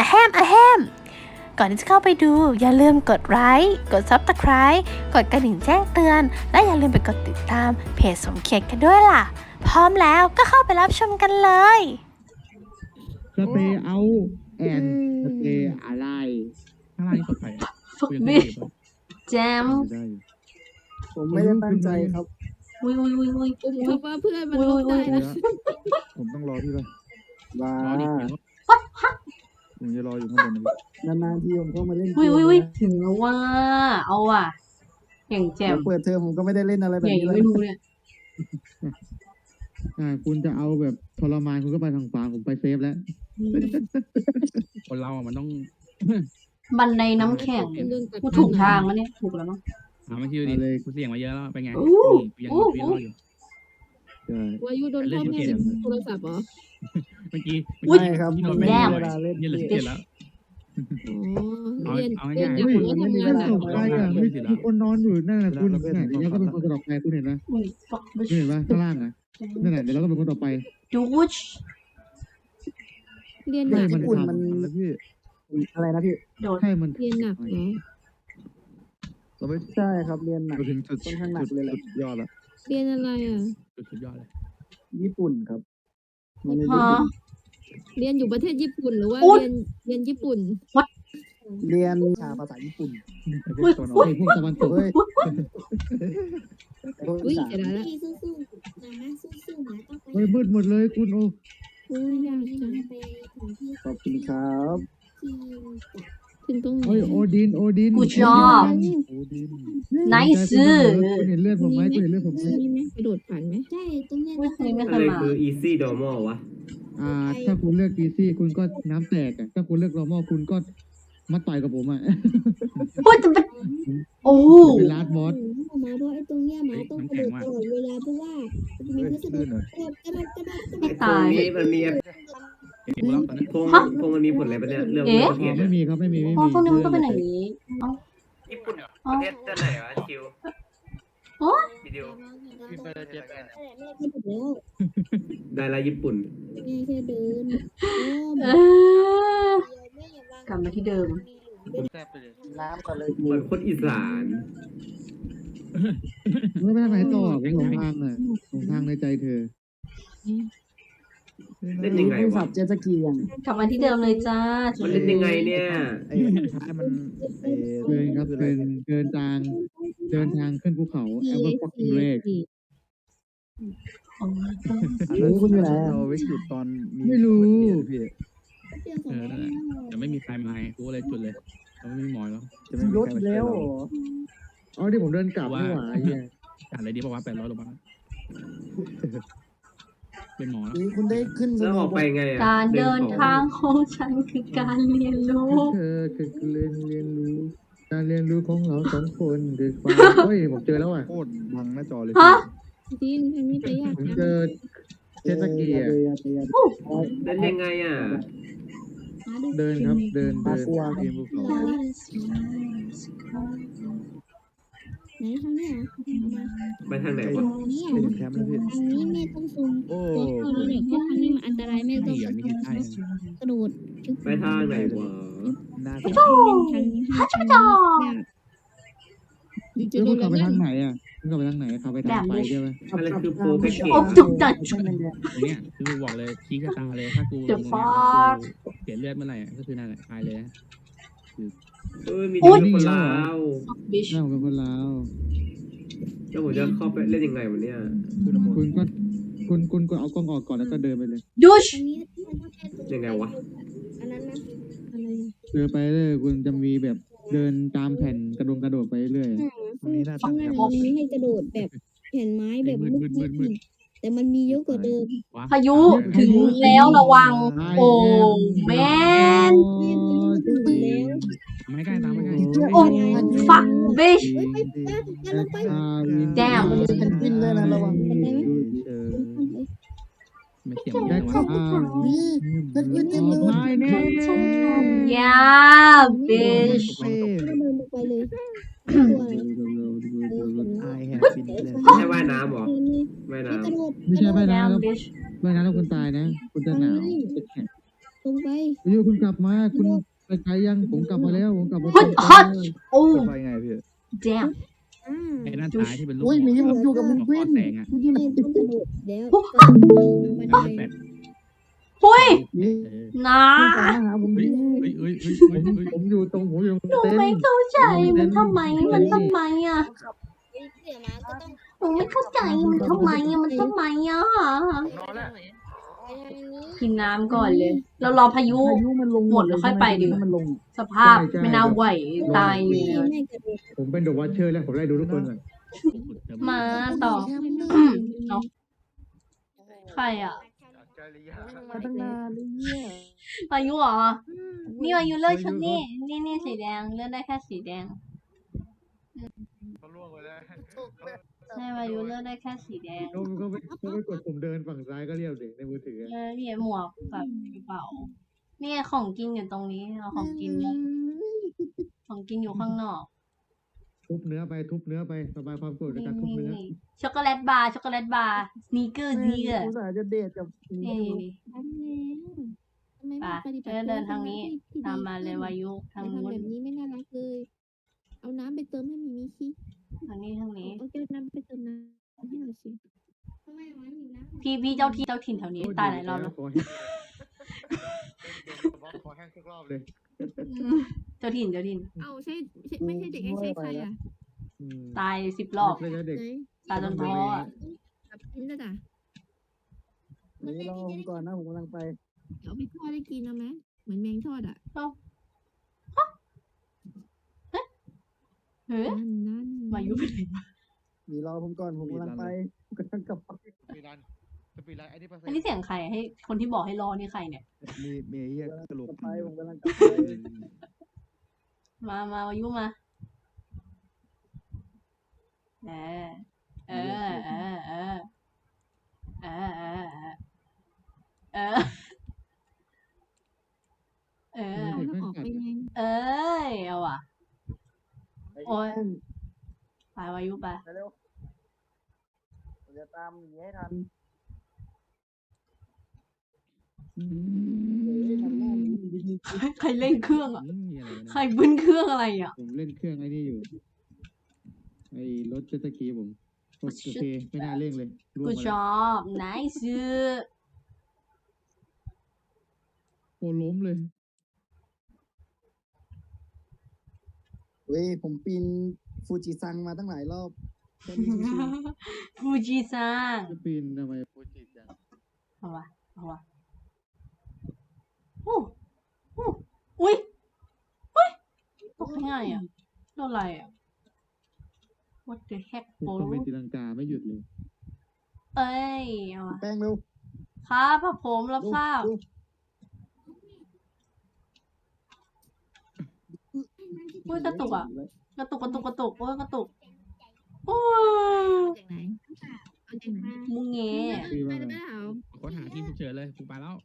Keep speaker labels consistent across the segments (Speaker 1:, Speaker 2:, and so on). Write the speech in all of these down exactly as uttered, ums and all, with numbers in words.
Speaker 1: แฮมอะแฮมก่อนที่จะเข้าไปดูอย่าลืมกดไลค์กด ซับสไครบ์ กดกระดิ่งแจ้งเตือนและอย่าลืมไปกดติดตามเพจสมเกียรติกันด้วยล่ะพร้อมแล้วก็เข้าไปรับชมกันเลย
Speaker 2: สเปรย์เอาแอนสเปรย์อะไรข้างล่างนี่กดไป
Speaker 3: ฟุกบิแจม
Speaker 4: ผมไม่ได้ตั้งใจครับ
Speaker 3: วุ้ยวุ้ยวุ้ยวุ้ย
Speaker 5: ผมคิดว่าเพื่อนมันลบได้นะ
Speaker 2: ผมต้องรอพี่ป่ะ
Speaker 4: ว้าร
Speaker 2: อดิผมจะรออยู่ข้างบนนะ
Speaker 4: นานๆทีผมเข้ามาเล่นเก
Speaker 3: วุ้ย
Speaker 4: ม
Speaker 3: วุ้ยวุ้ย
Speaker 4: นะ
Speaker 3: ถึงแล้วว่าเอาว่ะอย่างแจม
Speaker 4: เปิดเทอมผมก็ไม่ได้เล่นอะไรแบ
Speaker 3: อบ ย่าง
Speaker 4: นี้
Speaker 3: ยัง
Speaker 4: เลย
Speaker 3: ไม่รู้เนี่ย
Speaker 2: อ่าคุณจะเอาแบบทรมานคุณก็ไปทางขวาผมไปเซฟแล้ว
Speaker 6: คนเราอ่ะมันต้อง
Speaker 3: บันไดน้ำแข็งกูถูกทางแล้วเนี่ยถูกแล้วมั้ง
Speaker 6: หามาคิวดิ
Speaker 2: เอาเลย
Speaker 6: กูเสี่ยงมาเยอะแล้วเป็นไง
Speaker 3: อู้
Speaker 6: นี่ยัง
Speaker 3: อู้
Speaker 6: ยังรออยู่
Speaker 2: ใช่
Speaker 5: วายุโดนพ่อแม่ในโทรศัพท์เหรอ
Speaker 6: เมื่อกี้
Speaker 4: ไม่ครับ
Speaker 6: ที่
Speaker 4: ผ
Speaker 6: โด
Speaker 4: ม
Speaker 6: น
Speaker 4: ไม่
Speaker 6: แม่
Speaker 4: มี
Speaker 6: หน่
Speaker 4: เว
Speaker 6: อย
Speaker 4: ลาเล่น
Speaker 6: นี่เหลือ
Speaker 4: เก
Speaker 6: เจ็ด
Speaker 4: ม
Speaker 6: แล้ว
Speaker 5: อ๋อ
Speaker 6: เอา
Speaker 5: เรียน
Speaker 6: เอา
Speaker 5: เรียน
Speaker 6: ง่ายๆ
Speaker 5: จาก
Speaker 2: เฮ้ย
Speaker 5: ผมก็
Speaker 2: มัน
Speaker 5: ทำ
Speaker 2: ไม่
Speaker 5: งาน
Speaker 2: ได้
Speaker 5: หนั
Speaker 2: ส่
Speaker 5: ก
Speaker 2: ง
Speaker 5: แล้
Speaker 2: ไป
Speaker 5: ว
Speaker 2: อ่ะมีมีคนนอนอยู่นั่นแหละคุณเนี่ยเดี๋ยวเราก็เป็นคนต่อไปคุณเห็นไหม
Speaker 3: อุ้ยฟักบิ
Speaker 2: คุณเห็นไหมข้างล่างอ่ะนั่นแหละเดี๋ยวเราก็เป็นคนต่อไป
Speaker 3: ดูวุช
Speaker 5: เรียนห
Speaker 2: ให้
Speaker 5: นัก
Speaker 2: มัน
Speaker 4: ญี่ปุ่นมัน
Speaker 2: ทำแล้วพี่
Speaker 4: อะไรนะพี่
Speaker 3: โดด
Speaker 2: ให้มัน
Speaker 5: เรียนหนักเหรอ
Speaker 2: เราไม่
Speaker 4: ใช่ครับเรียนหนัก
Speaker 2: เราถึงจุด
Speaker 4: ค่อนข้างหนักเลยแหละ
Speaker 2: จุดยอดแล้ว
Speaker 5: เรียนอะไรอ่ะ
Speaker 6: สุดยอดเลย
Speaker 4: ญี่ปุ่นครับมันใน
Speaker 3: ฮะ
Speaker 5: เรียนอยู่ประเทศญี่ปุ่นหรือว่า
Speaker 3: อุ๊ย
Speaker 5: เรียนเรียนญี่ปุ่น
Speaker 4: เรียนวิชาภาษาญี่ปุ่น
Speaker 2: ไอ้พวกตะวันออกไอ้พวกตะวันตก
Speaker 4: เฮ้ย
Speaker 5: อุ้ยเดี๋ยวนะ
Speaker 7: พี่สู้ๆนะสู้ๆนะต้องไป
Speaker 2: เฮ้ยมืดหมดเลยคุณโอ้
Speaker 5: อุ้ยยาก
Speaker 7: ที่
Speaker 5: จั
Speaker 7: มั
Speaker 5: ง
Speaker 7: นไปถึงที่
Speaker 4: ขอบคุณครับ
Speaker 7: ที่
Speaker 5: ถึงตรงไหน
Speaker 2: เฮ้ยโอดินโอดิน
Speaker 3: กูชอบ
Speaker 2: โอดิน
Speaker 3: ไนซ์
Speaker 2: คุณเห็นเลือดผมไหมคุณเห็นเลือดผมไหม
Speaker 5: มีไหมกระโดดผ่านไหม
Speaker 7: ใช่ตรงเนี้ย
Speaker 3: อุ้ยคนนี้ไม่เค
Speaker 8: อะ
Speaker 3: ย
Speaker 8: ไร
Speaker 3: มา
Speaker 8: คือ easy normal วะ
Speaker 2: อ่า ถ้าคุณเลือกดีซี่คุณก็น้ำแตกอ่ะถ้าคุณเลือกนอร์มอลคุณก็มาต่อยกับผมอ่ะ
Speaker 3: โอ้ยจะเป็นโอ้
Speaker 2: เป็นลาดบอส
Speaker 7: มาเพราะไอ้ตรงเนี้ยหมาต้องกระโดดตลอดเวลาเพราะว่ามันมีพัสดุกระโดดกระโดดกระโดดกระโด
Speaker 3: ไม่
Speaker 7: ด
Speaker 3: ตาย
Speaker 8: นี้มันมี
Speaker 6: เห็นกูแล้วตอนนี้
Speaker 8: พงพงมันมีผลอะไรปะเนี่ยเรื่อง
Speaker 3: เอ๊ะ
Speaker 8: ประเท
Speaker 2: อ๋อ
Speaker 8: ศ
Speaker 2: ไม่มีครับไม่มีไม่
Speaker 3: อ๋อ
Speaker 2: มี
Speaker 3: ตรงนี้มันก็เป็นอย่างนี้
Speaker 8: ญี่ปุ่นเหรอ
Speaker 3: อ๋อ
Speaker 8: ประเทศจะไหนวะคิว
Speaker 3: โอ้
Speaker 8: วิดีโอ
Speaker 7: แม่ก็หมดแล้ว
Speaker 8: ได้ละญี่ปุ่น
Speaker 7: แม่แค่เดิน
Speaker 3: เออ กลับมาที่เดิม
Speaker 4: น้ำก่อนเลย
Speaker 8: เหมือนคนอีสาน
Speaker 2: ไม่ไปทางไหนต่อหลงทางอ่ะหลงทางในใจเธอ
Speaker 8: เล่นยังไง
Speaker 4: ผู้
Speaker 8: วะ
Speaker 4: ขับเจ็ตสกีอย่าง
Speaker 3: กลับมาที่เดิมเลยจ้า
Speaker 8: มันเล่นยังไงเนี่ย
Speaker 2: ไอ้ท้ายมันไอ้เดินครับเดินเดินทางเดินทางขึ้นภูเขาแอเวอร์ฟ็อกกิ้งเลก
Speaker 4: เฮ้ยคุณอยู่ไหน
Speaker 9: เราไว้จุดตอนมี
Speaker 2: ไม่รู้
Speaker 9: พี่
Speaker 6: เออนั่นแหละแต่ไม่มีใครมาไงกูเลยจุดเลยเราไม่มีหมอยแล้ว
Speaker 9: จะไม่มี
Speaker 4: รถ
Speaker 9: ใครมาช่วย
Speaker 4: แล้ว
Speaker 9: เรา
Speaker 4: เหรอ
Speaker 2: อ๋อที่ผมเดินกลับนี่หว่าไอ้เหี้ย
Speaker 6: จ่ายอะไรดีบอกว่าแปดร้อยลงมาเป็นหมอแล้ว
Speaker 4: นี่คุณได้ขึ้นส
Speaker 8: แล้ว
Speaker 4: โน
Speaker 8: ออก
Speaker 4: ว์บ
Speaker 8: ไป
Speaker 4: อร์ด
Speaker 8: ไงอ่ะ
Speaker 3: การเดินทางของฉันคือการเรียนรู้
Speaker 2: เธอคือเรียนเรียนรู้ การเรียนรู้ของเราสองคนคือความเฮ้ยผมเจอแล้วอ่ะ
Speaker 9: โคตรบังหน้าจอเลย
Speaker 3: ฮะ
Speaker 5: จีนทางนี้ไปยาก
Speaker 2: ผม
Speaker 5: จัง
Speaker 2: เจอเจ็ตสกีอ่ะ
Speaker 4: เดินเดิน
Speaker 8: เล่นยังไงอ่ะ
Speaker 2: เดินครับเดินเดิน
Speaker 4: กลัว
Speaker 2: ปีนภูเขา
Speaker 7: ไหนทางเนี้ย
Speaker 8: ไปทางไหน
Speaker 9: ไป
Speaker 8: วะ
Speaker 7: ทางนี้
Speaker 9: ไปถึงแคมป์แล้วพี่
Speaker 7: ทางนี้แม่ต้องซูม
Speaker 9: โอ้
Speaker 7: เพราะเนี่ยเพราะทางนี้มันอันตรายแม่ต้อง
Speaker 6: เหี้ยนี่คือใช่
Speaker 7: กระโดด
Speaker 8: ไปทางไหนวะ
Speaker 9: น่า
Speaker 7: ทางนี้ให้ทางนี้ยาก
Speaker 5: ดิจะ
Speaker 2: แล้ว
Speaker 5: โด
Speaker 2: คุณ
Speaker 5: น
Speaker 2: ขับไป
Speaker 5: แล้ว
Speaker 2: ทางไหนอ่ะคุณขับไปทางไหนขับไปทางไฟใช่ไหม
Speaker 8: อะไรคือโปรแพ็กเกจ
Speaker 3: โอ้จุกจัด
Speaker 6: ตรงเนี้ยคือกูบอกเลยชี้กระตาเลยถ้ากูล
Speaker 3: The
Speaker 6: งตรงเนี้ย
Speaker 3: fuck
Speaker 6: กูเสียเลือดเมื่อไหร่อะก็คือนั่นแหละตายเลยนะ
Speaker 8: เอ้ยมี
Speaker 3: อุ๊
Speaker 8: เด็
Speaker 3: ย
Speaker 8: กคนลาว
Speaker 3: บิช
Speaker 2: นั่งเป็นคนลาว
Speaker 8: แล้วผมจะเข้าไปเล่นยังไงวะเนี่ย
Speaker 9: คือน้ำมน
Speaker 2: คุณ
Speaker 9: ต์
Speaker 2: ก็คุณคุณก็เอากล้องออกก่อนแล้วก็เดินไปเลย
Speaker 3: ดูช
Speaker 7: ทางนี้มันต้องแค่ตรง
Speaker 8: ยังไงวะ
Speaker 7: อันนั้นนะ
Speaker 5: อะไร
Speaker 2: เดินไปเลยคุณจะมีแบบเดินตามแผ่นกระดงกระโดดไปเรื่อย
Speaker 9: ตรงนี้น่าตั้งแคมป์
Speaker 7: มันมีให้กระโดดแบบแผ่นไม้แบบมืดๆแต่มันมีเยอะกว่าเดิม
Speaker 6: ว้
Speaker 3: พายุถึงแล้วระวัง โอ้แมน
Speaker 7: แล้ว
Speaker 6: ไม่ใกล้ตามไม่ใกล้
Speaker 3: โอ้ฟักบิช
Speaker 7: จะลงไป
Speaker 3: แจม
Speaker 4: มันมีเพนกวินด้วยนะระวัง
Speaker 9: เออ
Speaker 6: ไม่เสียง
Speaker 2: แจ็ค
Speaker 6: ไม่
Speaker 2: สัน
Speaker 6: ว่า
Speaker 4: นี่เพนกวินเต็มเลย
Speaker 2: ไม่แน่
Speaker 3: ยาบิช
Speaker 9: เป้
Speaker 7: ก็เดินลงไปเลยตัว
Speaker 9: ไอแฮปปี้เลย
Speaker 8: ไม่ใช่ว่ายน้ำเหรอว่ายน้
Speaker 7: กระโดด
Speaker 2: ไม่ใช่ไป
Speaker 3: แจ
Speaker 2: นะ
Speaker 3: ม
Speaker 2: แล้ว
Speaker 3: บิช
Speaker 2: ไม่นะแล้วคุณตายนะ คุณจะหนาวจะแข็ง
Speaker 7: ตรงไป
Speaker 2: วิวคุณกลับมาคุณไปไกลยังผมกลับมาแล้วผมกลับมา
Speaker 3: เฮ้ยฮอตโอ้
Speaker 9: ไปไงพี่
Speaker 3: แจม
Speaker 7: อ่า
Speaker 6: ไอ้ด้านซ้ายที่เป็นรูป
Speaker 4: โอ้ยหมีผมอยู่กับมึง
Speaker 6: หัว
Speaker 4: ควิ
Speaker 6: ข้อน แสงอ่ะ
Speaker 4: มึงอยู่ไหน
Speaker 7: ไม่ต้องกระโดดแล้ว
Speaker 6: กลางแปด
Speaker 3: หุ้ย
Speaker 4: นี่
Speaker 6: เออ
Speaker 3: นะ
Speaker 4: คุณตามมาหาผม
Speaker 6: เฮ้ย
Speaker 4: ดิ
Speaker 6: เฮ้ยเฮ้ยเฮ้ย
Speaker 2: ผ
Speaker 6: เฮ้ย
Speaker 2: ม
Speaker 6: เฮ้ย
Speaker 2: ผมอยู่ตรงผมอยู่ตรง
Speaker 3: หนู
Speaker 2: เต็น
Speaker 3: ไม่
Speaker 2: ท์
Speaker 3: เข้าใจมันทำไมมันทำไมอ่ะ
Speaker 7: เสือมาก็ต้อง
Speaker 3: หนูไม่เข้าใจมันทำไมอ่ะมันทำไมอ่ะ
Speaker 7: ไปทางนี้
Speaker 3: กินน้ำก่อนเลย เรารอพายุ
Speaker 4: พายุมันลง
Speaker 3: หมดแล้วค่อยไปดีกว่า
Speaker 4: มันลง
Speaker 3: สภาพไม่น่าไหวตายอยู่
Speaker 7: ไม่
Speaker 3: เลย
Speaker 7: ไม่กระโดด
Speaker 2: ผมเป็นเดอะวอชเชอร์แล้วผมไล่ดูทุกคนก่อน
Speaker 3: มาต่อ
Speaker 7: แคมป์เลย
Speaker 3: เนาะใครอ่ะ
Speaker 4: มาตั้งนานเลยเนี่ย
Speaker 3: พายุเหรอ นี่พายุเลือกชุดนี่นี่นี่สีแดงเลือกได้แค่สีแดงใช่พายุเลือกได้แค่สีแดง
Speaker 2: เขาเขาไปเขาไปกดผมเดินฝั่งซ้ายก็เรียบเลยในมือถือ
Speaker 3: เออนี่หมวกกับกระเป๋านี่ของกินอยู่ตรงนี้เอาของกินเนี่ยของกินอยู่ข้างนอก
Speaker 2: ทุบเนื้อไปทุบเนื้อไปสบายความโกรธใน
Speaker 3: นี่
Speaker 2: การทุบ
Speaker 3: นี่
Speaker 2: เนื้อ
Speaker 3: นี่ช็อกโกแลตบาร์ช็อกโกแลตบาร์สนีกเกอร์สนีกเกอร์
Speaker 4: อุตส่าห์จะเดทกับหมี
Speaker 3: นี่
Speaker 7: ทำแล้วทำไม
Speaker 3: ไป
Speaker 7: ไม่ปฏิบั
Speaker 3: เดิ
Speaker 7: ติ
Speaker 3: นเดินทางนี้
Speaker 7: ที่
Speaker 3: ตามมาเลยวายุทาง
Speaker 7: ทำ
Speaker 3: นู้
Speaker 7: แบ
Speaker 3: น
Speaker 7: บนี้ไม่น่ารักเลย เอาน้ำไปเติมให้มีมีชี
Speaker 3: ทางนี้ทางนี้
Speaker 7: เอาแก้วน้ำไปเติมน้ำให้หน่อยสิทำไมวะอยู่นะ
Speaker 3: พี่พี่เจ้าที่เจ้าถิ่นแถวนี้ตายหลายรอบแล้ว
Speaker 2: คอแห้งคอแห้งทุกรอบเลย
Speaker 3: อืมเจ้าถิ่นเจ้าถิ่น
Speaker 5: เอาใช่ใช่ไม่ใช่เด็กไอ้ใช่ใครอ่ะ
Speaker 2: อืม
Speaker 3: ตายสิบรอบ
Speaker 2: เลยนะเด็ก
Speaker 5: ไหน
Speaker 3: ตายจนท้ออะ
Speaker 5: กับกินแล้วจ้ะ
Speaker 4: นี่รอผมก่อนนะผมกำลังไป
Speaker 5: เอาไปทอดได้กินเอาไหมเหมือนแมงทอดอ่ะ
Speaker 3: เฮ้ย
Speaker 5: นั่นนั่น
Speaker 3: วายุไปไหนมา
Speaker 4: มีรอผมก่อนผมกำลังไปผมกำลังกลับไป
Speaker 2: สปีรันสปีรันไอ้นี่เปอร์เซ็น
Speaker 3: อัน
Speaker 2: ต์
Speaker 3: นี้เสียงใครให้คนที่บอกให้รอนี่ใครเนี่ย
Speaker 9: มีมีไอ้เหี้ยกระโหลก
Speaker 4: กลับไปผมกำลังกลับไป
Speaker 3: มามาวายุมาเออเออเออเออเออเออเออเออ
Speaker 5: เอาแล้วออกไปไง
Speaker 3: เอ้ยเอาว่ะ โอ้ย ไปวายุไป
Speaker 4: ไปเร็วผมจะตามหมีให้ทันเฮ้ยทำหน้าหมีดี
Speaker 3: ใครเล่นเครื่องอ่ะ
Speaker 6: อืมมีอะไรวะ
Speaker 3: ใคร
Speaker 6: เนี่ย
Speaker 3: บึ้นเครื่องอะไรอ่ะ
Speaker 2: ผมเล่นเครื่องไอ้นี่อยู่ไอ้รถเจ็ตสกีผมโอเคไม่น่าเร่งเลยร่วง
Speaker 3: กู
Speaker 2: มา
Speaker 3: ช
Speaker 2: แล้ว
Speaker 3: อบไนซ์
Speaker 2: โอ้ล้มเลย
Speaker 4: ๆเฮ้ยผมปีนฟูจิซังมาตั้งหลายรอบแค่นี้ชิว
Speaker 3: ฟูจิซัง
Speaker 2: จะปีนทำไมฟูจิจัง
Speaker 3: เอาวะเอาวะโอ้โอ้อุ้ยอุ้ยตกง่ายอ่ะโดนอะไรอ่ะ what the heck
Speaker 2: ผม
Speaker 3: โบ
Speaker 2: ต้องเป็นตีลังกาไม่หยุดเลย
Speaker 3: เอ้ยเอาวะ
Speaker 4: ๆแป้งเร็ว
Speaker 3: ครับพระผมรับ
Speaker 4: เร็ว
Speaker 3: ทราบ
Speaker 4: เร็ว
Speaker 3: อุ้ยกระตุกอ่ะ กระตุกกระตุกกระตุกโอ้ยกระตุกโอ้ย
Speaker 5: เอาจากไหนเอาจากไหน
Speaker 3: มุงเง
Speaker 2: พี่
Speaker 5: ไป
Speaker 2: ว่า
Speaker 5: ได้เปล่า
Speaker 6: ค้นหาที่ฉุกเฉินเลยกูไปแล้ว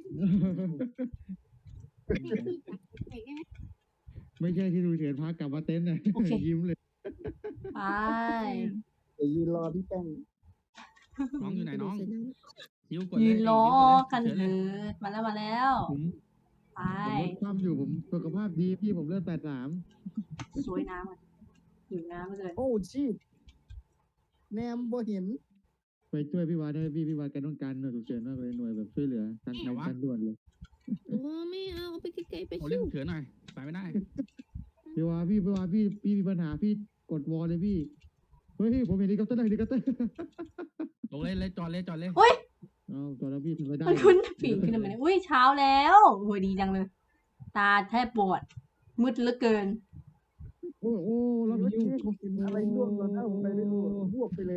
Speaker 2: ไม่ใช่ที่ดูเฉียนพากลับมาเต็นท์นะ ยิ้มเลย
Speaker 3: ไป
Speaker 4: เดี๋ยวยืนรอพี่แป้ง
Speaker 6: น้องอยู่ไหนน้อง
Speaker 5: เสร็จแล้ว
Speaker 6: ยิ้วกดเลย
Speaker 3: ยืนรอ
Speaker 6: ยิ้วดเลย
Speaker 3: กัน
Speaker 6: ฉุ
Speaker 3: เถ
Speaker 6: ฉิ
Speaker 3: อะมาแล้วมาแล้ว
Speaker 2: ผม
Speaker 3: ไป
Speaker 2: ผมลดความอยู่ผมสุขภาพดีพี่ผมเลือดแปดสาม
Speaker 3: สวยน้ำมันหิวน้ำเลย
Speaker 4: โอ้ชีตแนมบ่เห็น
Speaker 2: ไปช่วยพี่วาด้วยพี่พี่วาแกต้องการหน่วยฉุกเฉินมากเลยหน่วยแบบช่วยเหลือทันทันทันด่วนเลย
Speaker 5: โอ้ไม่เอาเอาไปไกลๆไป
Speaker 6: โอ้
Speaker 5: ชิ
Speaker 6: เล่น
Speaker 5: ว
Speaker 6: ฉุกเฉินหน่อยไปไม่ได้
Speaker 2: พี่วาพี่พี่วาพี่พี่มีปัญหาพี่กดวอลเลยพี่เฮ้ยผมเห็นเฮลิคอปเตอร์เฮลิคอปเตอร์
Speaker 6: ลงเลยเลยจอดเลยจอดเลย
Speaker 3: อุ้ย
Speaker 2: เอาตอนนั้นพี่ทำไม่ได้
Speaker 3: มันขึ้นปีนขึ้นมาเนี่ยอุ้ยเช้าแล้วโอ้ยดีจังเลย ตาแทบปวด มืดเหลือเกิน
Speaker 2: โอ้โอ้รับ
Speaker 4: เมื่อ
Speaker 2: ยิ้ว
Speaker 4: กี้ผมเห็นอะไรร่วงหล่นหน้าผมไปไม่รู้บวกไปเลย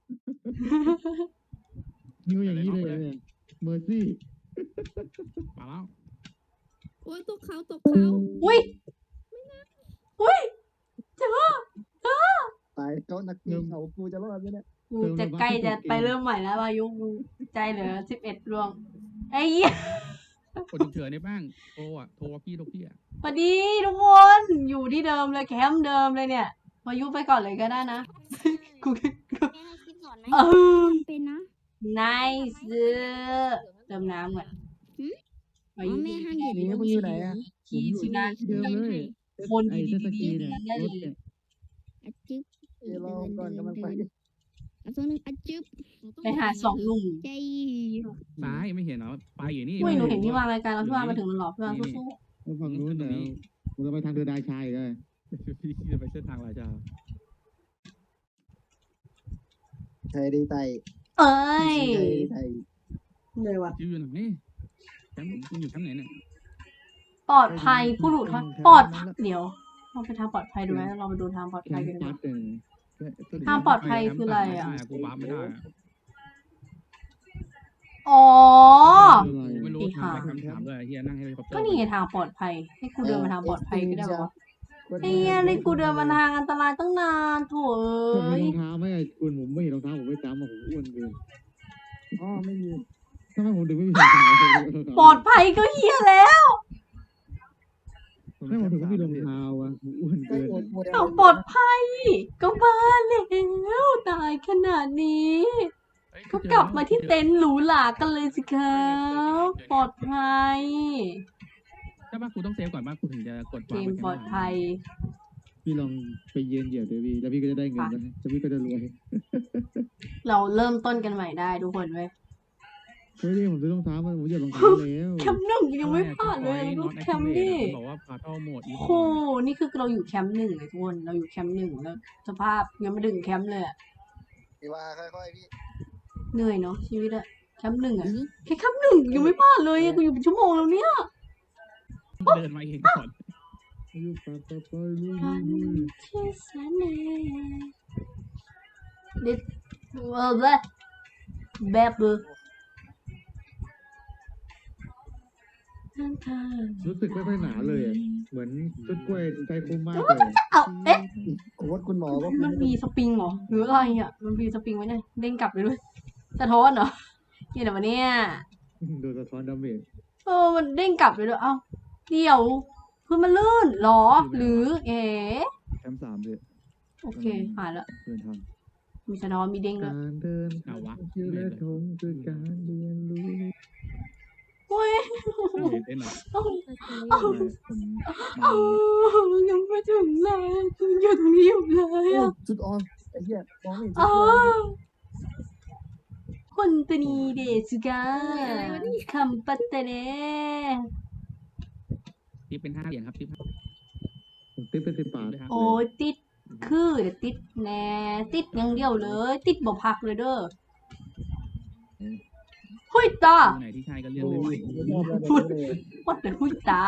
Speaker 2: นิ้วอย่างนี้เลยเนี่ยเมอร์ซี่
Speaker 6: ไปแล้ว
Speaker 5: โอ้ยตกเขาตกเขา
Speaker 3: อุ้ยอุ้ยเจอเจอ
Speaker 4: ตายเขานักปีนเขากูจะรอดไหมเนี่ย
Speaker 3: กูจะใกล้จะไปเริ่มใหม่แล้ววายุกูใจเหลือสิบเอ็ดดวงไอ้เหี้ย
Speaker 6: กดฉุกเฉินได้บ้างโทรอ่ะโทรพี่โทรพี่อ่ะ
Speaker 3: สวัสดีทุกคนอยู่ที่เดิมเลยแคมป์เดิมเลยเนี่ยวายุไปก่อนเลยก็ได้นะกู
Speaker 7: แม่ให้คิดก่อนไหม
Speaker 3: เออ
Speaker 7: เป็นนะ
Speaker 3: ไนซ์เติมน้ำก่อนไป
Speaker 5: อ๋อแม่ห้ามเหยียบ
Speaker 4: นี่คุณอยู่ไหนอะ
Speaker 3: ขี่สินะ
Speaker 2: เดิมเลย
Speaker 3: คน
Speaker 2: ไอ้
Speaker 3: ดี
Speaker 2: เจ็ตสกี
Speaker 3: ๆ
Speaker 2: เนี่ย
Speaker 3: นั่นได้
Speaker 2: ร
Speaker 3: เล
Speaker 2: ถ
Speaker 3: ย
Speaker 2: เนี่ย
Speaker 5: อะจึ๊บ
Speaker 4: เดี๋ยวรอก่อนกำลังไป
Speaker 5: เอาตัวหนึงอะจึ๊บ
Speaker 3: ไปหาสองหนุ่ม
Speaker 5: ใจ
Speaker 6: ซ้ายไม่เห็นเหรอไปอยู่นี่
Speaker 3: อุ้ยหนูเห็นพี่วางรายการแล้วพี่วางมาถึงแล้วหรอพี่วาง
Speaker 6: นี่
Speaker 3: สู้
Speaker 2: แล้วฝั่งนู้นเนี่ยมันจะไปทางเดินดายชายเลย
Speaker 6: พี่จะไปเส้นทางราชา
Speaker 4: ใครได้ไต
Speaker 3: ๆเอ้ย
Speaker 4: ใครได้ไต
Speaker 3: เลยว่ะ
Speaker 6: จิวอยู่ไหนแคมป์คุณอยู่แคมป์ไหนเนี่ย
Speaker 3: ปลอดภัยผู้หลุดทอดปลอดภัยเดี๋ยวเราไปทางปลอดภัยดูไหมเราไปดูทางปลอด
Speaker 2: แค
Speaker 3: ภัย
Speaker 2: ม
Speaker 3: กัน
Speaker 2: ป์
Speaker 3: ดี
Speaker 2: ปั
Speaker 3: ก
Speaker 2: ด
Speaker 3: ว่า
Speaker 2: เนี่ย
Speaker 3: ทางปลอดภัยคืออะไรอะ
Speaker 6: ม่ด้กูวาร์ปไม่ได้อะ
Speaker 3: อ๋อ
Speaker 6: ไม่รู้ทางไปคำถามด้วยเฮียนั่งให้เขา
Speaker 3: ก็นี่ไงทางปลอดภัย ให้กูเดินมาทางปลอดภัยก็ได้ปะวะไอ้เหี้ยนี่กูเดินมาทางอันตรายตั้งนานโถ
Speaker 2: ผม
Speaker 3: เอ้
Speaker 2: มี
Speaker 3: ย
Speaker 2: รองเท้าไหมคุณผมไม่เห็นรองเท้าผมไม่จำอ่ะผมอ้วนเกิน
Speaker 4: อ๋อไม่มี
Speaker 2: ทำไมผมถึงไม่มีรองเท้า
Speaker 3: ปลอดภัยก็เฮียแล้ว
Speaker 2: ทำไมผมถึงไม่มีรองเท้าอ่ะผมอ้วน
Speaker 4: ใกล้
Speaker 2: เกิน
Speaker 4: หมดหมด
Speaker 3: ทางปลอดภัย ก็บ้าแล้วตายขนาดนี้ ก็กลับมาที่เต็นท์หรูหรากันเลยสิครับปลอดภัย
Speaker 6: ใช่ป่ะกูต้องเซฟก่อนป่ะกูถึงจะกด
Speaker 3: เกมปลอดภัย
Speaker 2: พี่ลองไปเยือนเหยียบเดี๋ยวพี่แล้วพี่ก็จะได้เงินนะแล้วพี่ก็จะรวย
Speaker 3: เราเริ่มต้นกันใหม่ได้ทุกคนเว้ย
Speaker 2: เฮ้ยผมซื้อรองเท้ามาผมเหยียบรองเท้าแล้ว
Speaker 3: แคมป์หนึ่งยังไม่ผ่านเลยลูกแคมป์ดิ
Speaker 6: บอกว่าพาเท่าโหมดอี
Speaker 3: โหนี่คือเราอยู่แคมป์หนึ่งเลยทุกคนเราอยู่แคมป์หนึ่งแล้วสภาพยังไม่ถึงแคมป์เลยอะ
Speaker 4: พี่ว่าค่อยๆพี่
Speaker 3: เหนื่อยเนาะชีวิตอะแคมป์หนึ่งอะแค่แคมป์หนึ่งยังไม่ผ่านเลยอะกูอยู่เป็นชั่วโมงแล้วเนี่ย
Speaker 6: เดินมาเองก่อน
Speaker 2: อยู่ปะปะปะลุย
Speaker 3: ทาง
Speaker 2: ลุย
Speaker 3: ที่แสนเหนื่อยเด็ดเออแบบแบบเบอร์
Speaker 2: รู้สึกไม่ค่อยหนาเลยอะเหมือนต้นกล้วยใจคมมากเลย
Speaker 3: เอาเอ๊ะ
Speaker 4: โค้ดคุณหมอว่า
Speaker 3: มันมีสปริงเหรอหรืออะไรอ่ะมันมีสปริงไว้เนี่ยเด้งกลับเลยด้วยสะท้อนเหรอเกี่ยวกับเนี่ย
Speaker 2: โดนสะท้อนดาเมจ
Speaker 3: เออมันเด้งกลับเลยด้วยเอ้าเดี๋ยวคือมันลื่นเหรอ หรือเอ๋
Speaker 9: แคมป์สามเลย
Speaker 3: โอเคหายละ
Speaker 9: เดินทาง
Speaker 3: มีสะท้อนมีเด้งด้วย
Speaker 2: การเดิน
Speaker 6: เอาวะ
Speaker 2: ชื่อและทงคือการเรียนรู้
Speaker 3: โอ้ย
Speaker 6: เต้นหน่อย
Speaker 3: เอ้า
Speaker 9: ไม่ผม
Speaker 3: เอ้ายังไม่ถึงเลยคืออยู่ตรงนี้อยู่เลย
Speaker 4: โอ้
Speaker 3: อ่ะ
Speaker 4: จุดอ่อนไอ้เหี้ยมองไม่เห็นจุด
Speaker 3: อ้า
Speaker 4: อ่อน
Speaker 3: วคนตวนีเดสุกาคำปัตตะเน
Speaker 6: ที่เป็นห้าเหรียญครับที่
Speaker 2: ผมติ๊บเป็นสิบบาท
Speaker 3: โอ้ยติดคือเดี๋ยวติดแน่ติดอย่างเดียวเลย ติดบ่พักเลยเด้อหุยตา
Speaker 6: ไหนที่ใช่ก็เลือก
Speaker 4: โอ้
Speaker 6: เลย
Speaker 4: ยไม่ชอบแล้วแบบนี้เลย
Speaker 3: วัดเป็นหุยตา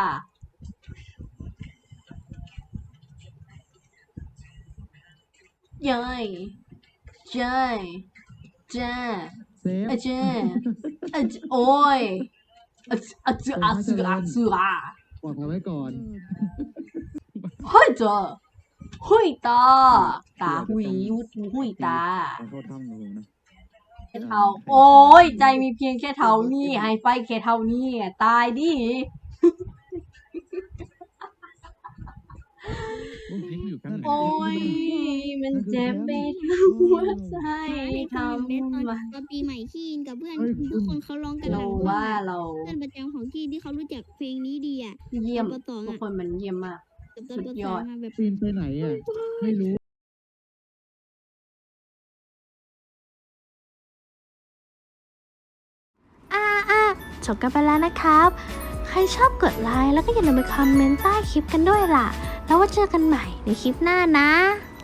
Speaker 3: เย้ยเจ้ยเจ้า
Speaker 2: เซฟ
Speaker 3: เจ้าเอ้ยโอ้ยอะอะจือะจือะจือะ
Speaker 2: ปลอดภัยไว้ก่อน
Speaker 3: เฮ้ยเจ้าหุยตาตาหุยยุดหุยตา
Speaker 9: ทางเข้าถ้ำของผมนะ
Speaker 3: แค่เท่าโอ้ยใจมีเพียงแค่เท่านี้ให้ไปแค่เท่านี้ตายดิ
Speaker 6: นี่อยู่แคมป์ไหน
Speaker 3: โอ้ยมันเจ็บไปทั้งหัวใจทำ
Speaker 5: เล่นตอน
Speaker 3: มา
Speaker 5: ตอนปีใหม่ขี้อินกับเพื่อน
Speaker 2: เฮ้ย
Speaker 5: ทุกคนเขาร้องกัน
Speaker 3: เรา
Speaker 5: แบบ
Speaker 3: ว่าเรา
Speaker 5: เพื่อนประจำของขี้ที่เขารู้จักเพลงนี้ดีอ่ะ
Speaker 3: เยี่ยม
Speaker 5: ปสอง
Speaker 3: ทุก
Speaker 5: อ่ะ
Speaker 3: คนมันเยี่ยมมาก
Speaker 5: กับตอน
Speaker 3: สุ
Speaker 5: ป
Speaker 3: ดย
Speaker 5: ส
Speaker 3: อ
Speaker 5: อ
Speaker 3: ด
Speaker 5: งมาแบบ
Speaker 2: ปีนไปไหนอ่ะ ไม่รู้
Speaker 1: อ่าอ่าจบกันไปแล้วนะครับ ใครชอบกดไลค์แล้วก็อย่าลืมไปคอมเมนต์ใต้คลิปกันด้วยล่ะ แล้วว่าเจอกันใหม่ในคลิปหน้านะ